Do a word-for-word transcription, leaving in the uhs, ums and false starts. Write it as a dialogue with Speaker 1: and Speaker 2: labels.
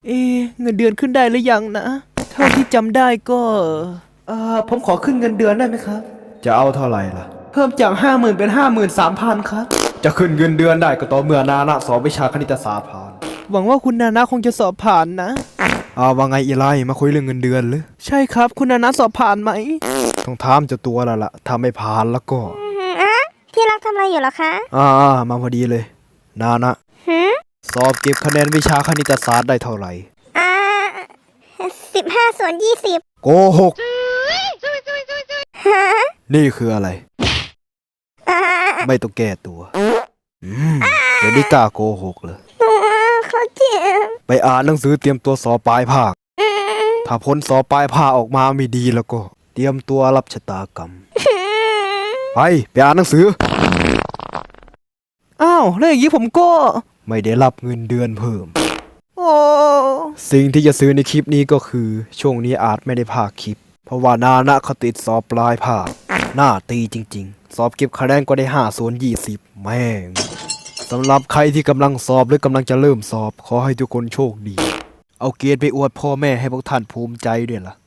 Speaker 1: เอ๊ะเงินเดือนขึ้นได้หรือยังนะเท่าที่จำได้ก็เอ่อผมขอขึ้นเงินเดือนได้ไหมครับ
Speaker 2: จะเอาเท่าไหร่ล่ะ
Speaker 1: เพิ่มจากห้าหมื่นเป็นห้าหมื่นสามพันครับ
Speaker 2: จะขึ้นเงินเดือนได้ก็ต่อเมื่อนานะสอบวิชาคณิตศาสตร์ผ่าน
Speaker 1: หวังว่าคุณนานะคงจะสอบผ่านนะ
Speaker 2: อ้าวว่าไงอีไลมาคุยเรื่องเงินเดือนหรือ
Speaker 1: ใช่ครับคุณนานะสอบผ่านไหม
Speaker 2: ต้องถามเจ้าตัวแล้วล่ะถ้าไม่ผ่านแล้วก็
Speaker 3: อะที่รักทำอะไรอยู่เหรอคะ
Speaker 2: อ่ามาพอดีเลยนานะ
Speaker 3: หืม
Speaker 2: สอบเก็บคะแนนวิชาคณิตศาสตร์ได้เท่าไหร่
Speaker 3: อ่าสิบห้าส่วนยี่สิบ
Speaker 2: โกหก
Speaker 3: ฮะ
Speaker 2: นี่คืออะไร
Speaker 3: อ่า
Speaker 2: ไม่ต้องแก้ตัวอืมเดี๋ยวนี้กล้าโกหกเลย
Speaker 3: ตัวเขาเจ็บ
Speaker 2: ไปอ่านหนังสือเตรียมตัวสอบปลายภาค
Speaker 3: อืม
Speaker 2: ถ้าผลสอบปลายภาคออกมาไม่ดีแล้วก็ เตรียมตัวรับชะตากรรมไปไปอ่านหนังสือ
Speaker 1: อ้าวแล้วอย่างนี้ผมก็
Speaker 2: ไม่ได้รับเงินเดือนเพิ่ม
Speaker 1: โอ้
Speaker 2: สิ่งที่จะซื้อในคลิปนี้ก็คือช่วงนี้อาจไม่ได้ภาคคลิป เพราะว่านานะเขาติดสอบปลายภาคหน้าตีจริงๆ สอบเก็บคะแนนก็ได้ห้าส่วนยี่สิบแม่งสำหรับใครที่กำลังสอบหรือกำลังจะเริ่มสอบขอให้ทุกคนโชคดี เอาเกรดไปอวดพ่อแม่ให้พวกท่านภูมิใจด้วยล่ะ